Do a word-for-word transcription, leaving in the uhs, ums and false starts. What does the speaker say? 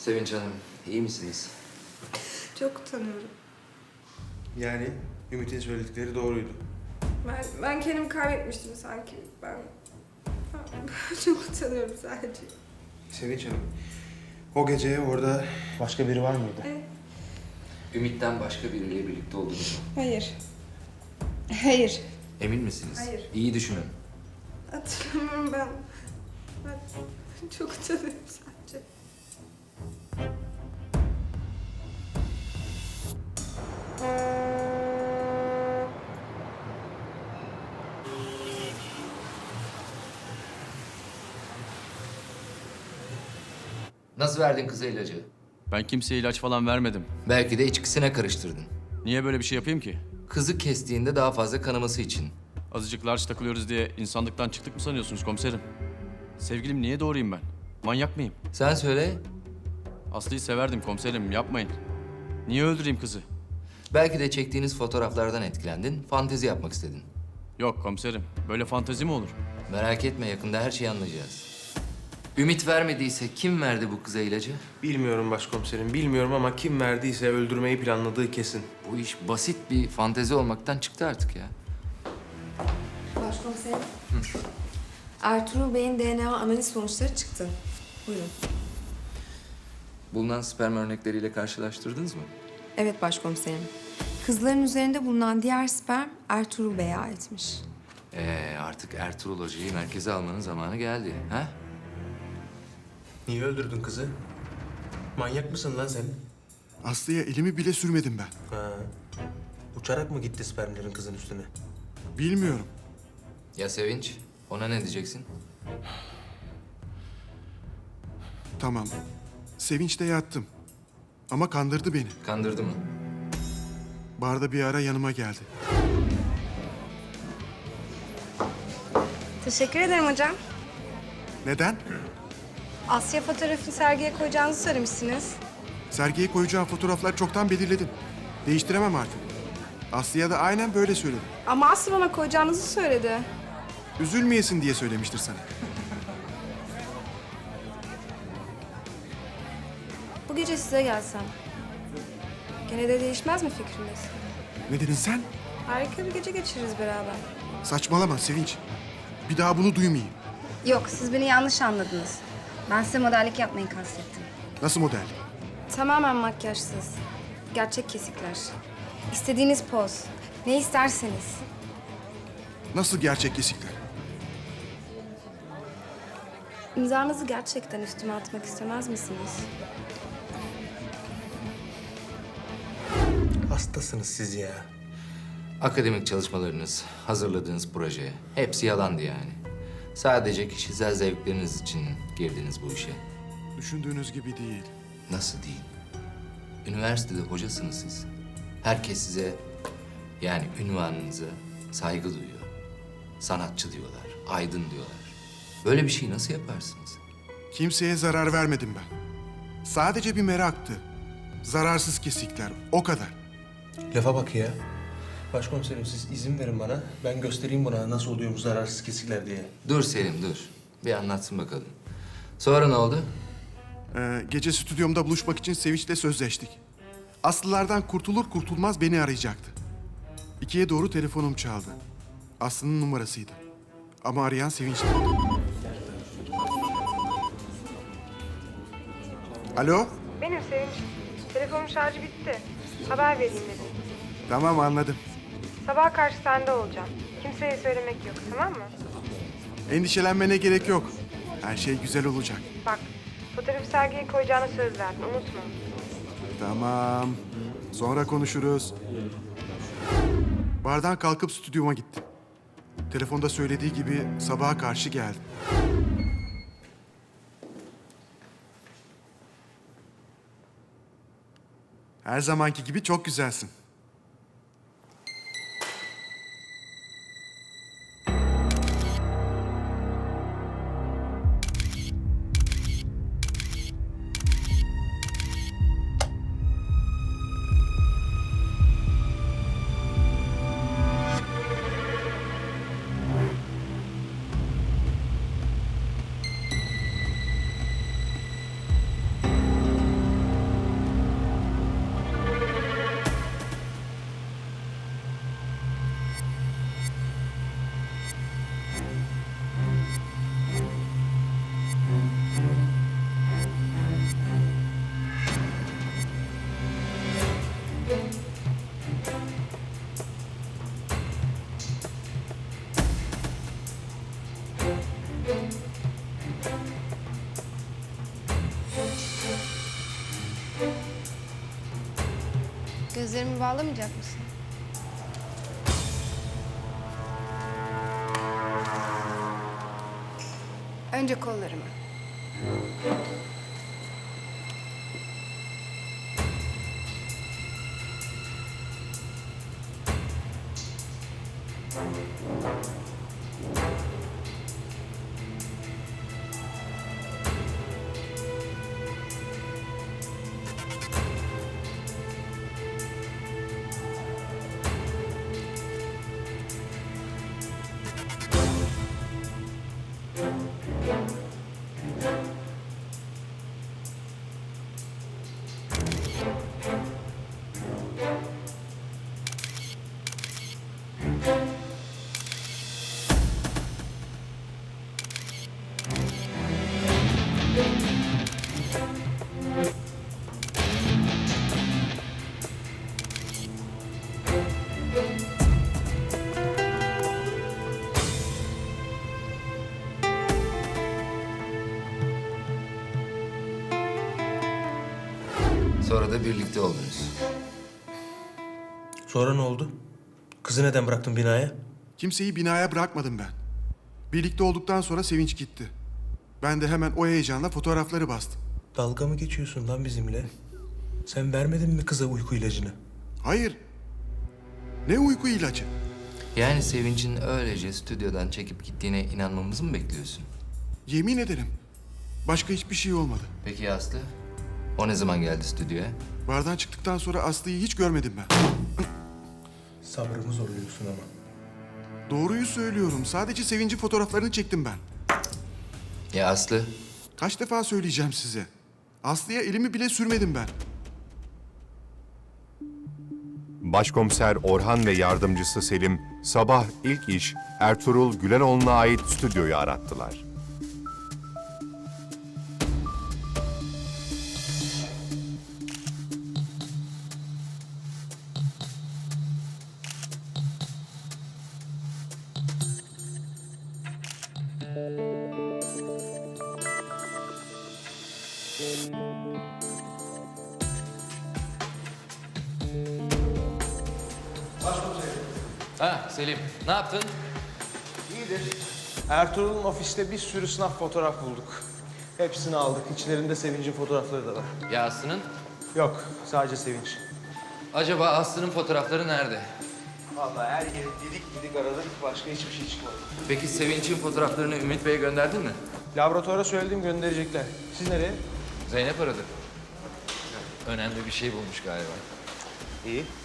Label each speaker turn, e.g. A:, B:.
A: Sevinç Hanım, iyi misiniz?
B: Çok utanıyorum.
C: Yani Ümit'in söyledikleri doğruydu.
B: Ben, ben kendimi kaybetmiştim sanki. Ben, ben çok utanıyorum sadece.
C: Sevinç Hanım, o gece orada başka biri var mıydı?
B: Evet.
A: Ümit'ten başka biriyle birlikte oldunuz mu?
B: Hayır. Hayır.
A: Emin misiniz?
B: Hayır.
A: İyi düşünün.
B: Hatırlamıyorum ben. Ben çok utanıyorum sadece.
A: Nasıl verdin kıza ilacı?
D: Ben kimseye ilaç falan vermedim.
A: Belki de içkisine karıştırdın.
D: Niye böyle bir şey yapayım ki?
A: Kızı kestiğinde daha fazla kanaması için.
D: Azıcık large takılıyoruz diye insanlıktan çıktık mı sanıyorsunuz komiserim? Sevgilim niye doğrayayım ben? Manyak mıyım?
A: Sen söyle.
D: Aslı'yı severdim komiserim, yapmayın. Niye öldüreyim kızı?
A: Belki de çektiğiniz fotoğraflardan etkilendin, fantezi yapmak istedin.
D: Yok komiserim, böyle fantezi mi olur?
A: Merak etme, yakında her şeyi anlayacağız. Ümit vermediyse kim verdi bu kıza ilacı?
C: Bilmiyorum başkomiserim, bilmiyorum ama kim verdiyse öldürmeyi planladığı kesin.
A: Bu iş basit bir fantezi olmaktan çıktı artık ya.
E: Başkomiserim. Ertuğrul Bey'in D N A analiz sonuçları çıktı. Buyurun.
A: Bulunan sperm örnekleriyle karşılaştırdınız mı?
E: Evet başkomiserim. Kızların üzerinde bulunan diğer sperm Ertuğrul Bey'e aitmiş.
A: Ee, artık Ertuğrul Hoca'yı merkeze almanın zamanı geldi. Ha?
C: Niye öldürdün kızı? Manyak mısın lan sen?
F: Aslı'ya elimi bile sürmedim ben.
C: Ha. Uçarak mı gitti spermlerin kızın üstüne?
F: Bilmiyorum.
A: Ya Sevinç? Ona ne diyeceksin?
F: Tamam. Sevinç'te yattım. Ama kandırdı beni.
A: Kandırdı mı?
F: Barda bir ara yanıma geldi.
B: Teşekkür ederim hocam.
F: Neden?
B: Asya fotoğrafını sergiye koyacağınızı söylemişsiniz.
F: Sergiye koyacağım fotoğraflar çoktan belirledim. Değiştiremem artık. Aslı'ya da aynen böyle söyledim.
B: Ama Aslı bana koyacağınızı söyledi.
F: Üzülmeyesin diye söylemiştir sana.
B: Bu gece size gelsem. Gene de değişmez mi fikriniz?
F: Ne dedin sen?
B: Harika bir gece geçiririz beraber.
F: Saçmalama Sevinç. Bir daha bunu duymayayım.
G: Yok, siz beni yanlış anladınız. Ben size modellik yapmayı kastettim.
F: Nasıl model?
B: Tamamen makyajsız. Gerçek kesikler. İstediğiniz poz. Ne isterseniz.
F: Nasıl gerçek kesikler?
B: İmzanızı gerçekten üstüme atmak istemez misiniz?
C: Hastasınız siz ya.
A: Akademik çalışmalarınız, hazırladığınız proje hepsi yalandı yani. Sadece kişisel zevkleriniz için girdiniz bu işe.
F: Düşündüğünüz gibi değil.
A: Nasıl değil? Üniversitede hocasınız siz. Herkes size, yani ünvanınıza saygı duyuyor. Sanatçı diyorlar, aydın diyorlar. Böyle bir şey nasıl yaparsınız?
F: Kimseye zarar vermedim ben. Sadece bir meraktı. Zararsız kesikler, o kadar.
C: Lafa bak ya. Başkomiserim siz izin verin bana. Ben göstereyim buna nasıl oluyor bu zararsız kesikler diye.
A: Dur Selim, dur. Bir anlatsın bakalım. Sonra ne oldu?
F: Ee, gece stüdyomda buluşmak için Sevinç'le sözleştik. Aslılardan kurtulur kurtulmaz beni arayacaktı. İkiye doğru telefonum çaldı. Aslı'nın numarasıydı. Ama arayan Sevinç'ti. Alo?
B: Benim Sevinç. Telefonun şarjı bitti. Haber vereyim dedim.
F: Tamam anladım.
B: Sabaha karşı sende olacağım. Kimseye söylemek yok, tamam mı?
F: Endişelenmene gerek yok. Her şey güzel olacak.
B: Bak, fotoğrafı sergiye koyacağına söz verdin, unutma.
F: Tamam. Sonra konuşuruz. Bardan kalkıp stüdyoma gittim. Telefonda söylediği gibi sabaha karşı geldim. Her zamanki gibi çok güzelsin.
G: Gözlerimi bağlamayacak mısın? Önce kollarımı.
A: Sonra da birlikte oldunuz.
C: Sonra ne oldu? Kızı neden bıraktın binaya?
F: Kimseyi binaya bırakmadım ben. Birlikte olduktan sonra Sevinç gitti. Ben de hemen o heyecanla fotoğrafları bastım.
C: Dalga mı geçiyorsun lan bizimle? Sen vermedin mi kıza uyku ilacını?
F: Hayır. Ne uyku ilacı?
A: Yani Sevinç'in öylece stüdyodan çekip gittiğine inanmamızı mı bekliyorsun?
F: Yemin ederim. Başka hiçbir şey olmadı.
A: Peki ya Aslı? O ne zaman geldi stüdyoya?
F: Bardan çıktıktan sonra Aslı'yı hiç görmedim ben.
C: Sabrımı zorluyorsun ama.
F: Doğruyu söylüyorum. Sadece Sevinç'in fotoğraflarını çektim ben.
A: Ya Aslı?
F: Kaç defa söyleyeceğim size? Aslı'ya elimi bile sürmedim ben.
H: Başkomiser Orhan ve yardımcısı Selim sabah ilk iş Ertuğrul Gülenoğlu'na ait stüdyoyu arattılar.
A: Ha Selim, ne yaptın?
I: İyidir. Ertuğrul'un ofiste bir sürü sınav fotoğraf bulduk. Hepsini aldık. İçlerinde Sevinç'in fotoğrafları da var.
A: Ya Aslı'nın?
I: Yok, sadece Sevinç.
A: Acaba Aslı'nın fotoğrafları nerede?
I: Vallahi her yeri didik didik aradık. Başka hiçbir şey çıkmadı.
A: Peki Sevinç'in fotoğraflarını Ümit Bey'e gönderdin mi?
I: Laboratuvara söyledim, gönderecekler. Siz nereye?
A: Zeynep aradı. Önemli bir şey bulmuş galiba.
I: İyi.